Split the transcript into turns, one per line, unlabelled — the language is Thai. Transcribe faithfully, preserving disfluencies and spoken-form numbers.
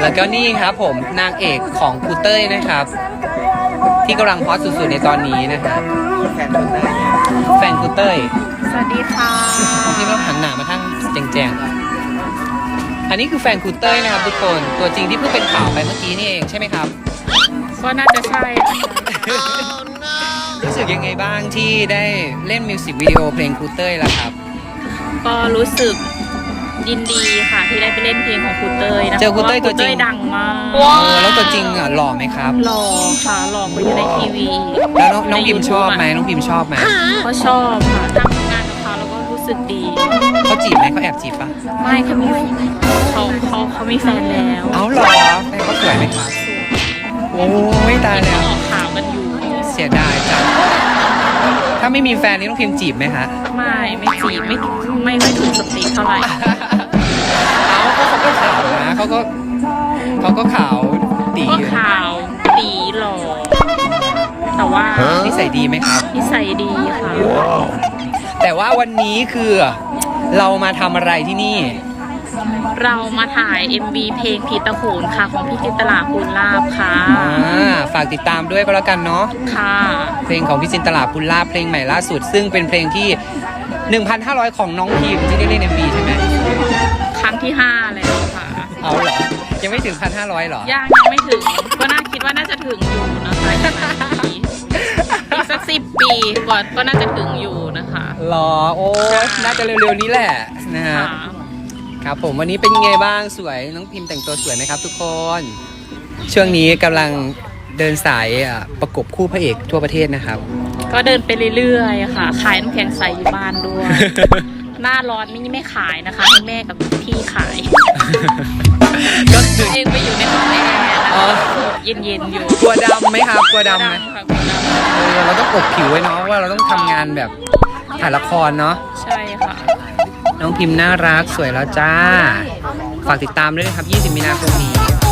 แล้วก็นี่ครับผมนางเอกของครูเต้ยนะครับ ที่กำลังฮอตสุดๆในตอนนี้นะครับแฟนครูเต้ยแฟนครูเต้ย
สวัสดีค่ะ
นี่เราหันหน้ามาทางแจงๆอันนี้คือแฟนครูเต้ยนะครับทุกคนตัวจริงที่เพิ่งเป็นข่าวไปเมื่อกี้นี่เองใช่ไหมครับ
ก็น่าจะใช่
รู้สึกยังไงบ้างที่ได้เล่นมิวสิกวิดีโอเพลงครูเต้ยล่ะครับ
ก็รู้สึกยินดีค่ะที่ได้ไปเล่นเพลงของครูเต้ยนะ
เจอครูเต้ยตัวจริง
คดังมาก
เออแล้วตัวจริงอ่ะหล่อไหมครับ
หล่อค่ะหล่อกว่าอยู่ในทีวี
แล้วน้องน้องพิมพ์ชอบไหมน้องพิมพ์ชอบไหม
ก็ชอบค่ะทำงานกับเขาแล้วก็รู้สึกดี
เขาจีบไหมเขาแอบจีบปะ
ไม่เขามีเขาเขาเขามีแฟนแล้ว
เอาเหรอแฟนเขาสวยไหมครับโอ้ยตายแล้ว
ออกข่าวกันอยู่
เสียดายจังถ้าไม่มีแฟนนี่น้องพิมพ์จีบไหมคะ
ไม่ไม่จีบไม่ไม่ไม่ถูกสเปคเท่าไหร่
เอาเขาเขาก็ขาวนะเขาก็เขาก็ขาวดี
ก็
อยู่
ขาวตีหล่อแต่ว่า
นิสัยดีไหมครับ
นิสัยดีค่ะ
แต่ว่าวันนี้คือเรามาทำอะไรที่นี่
เรามาถ่าย เอ็ม วี เพลงผีตะโขนค่ะของพี่จินตลาภูลลาภค่ะ
อ่าฝากติดตามด้วยก็แล้วกันเนาะ
ค่ะ
เพลงของพี่จินตลาภูลลาภเพลงใหม่ล่าสุด ซึ่งเป็นเพลงที่ หนึ่งพันห้าร้อย ของน้องพิมที่ได้เล่น เอ็ม วี ใช่ไหม
ครั้งที่ห้าแล้วค่ะ
เอาเหรอยังไม่ถึง หนึ่งพันห้าร้อย เหรอ
ยังยังไม่ถึง ก็น่าคิดว่าน่าจะถึงอยู่นะคะอีกสักปีอีกสักสิบปีกว่าก็น่าจะถึงอยู่นะคะ
หรอโอ้น่าจะเร็วๆนี้แหละนะฮะ
ค่ะ
ครับผมวันนี้เป็นยังไงบ้างสวยน้องพิมแต่งตัวสวยไหมครับทุกคน ช่วงนี้กำลังเดินสายอ่ะประกบคู่พระเอกทั่วประเทศนะครับ
ก็เดินไปเรื่อยๆค่ะขายน้ำแข็งใสอยู่บ้านด้วย หน้าร้อนไม่ไม่ขายนะคะให้แม่กับพี่ขาย
ก็คือ
เองไปอยู่ในห้องแอร์
อ๋อ
เย็นๆอยู่
กลัวดำไหมครับกลัวดำไหม
ค่ะกลัวด
เออเราต้องอบผิวไว้เนาะว่าเราต้องทำงานแบบถ่ายละครเนาะ
ำใช่ค่ะ
น้องพิมพ์น่ารักสวยแล้วจ้า ฝากติดตามด้วยนะครับยี่สิบมีนาคมนี้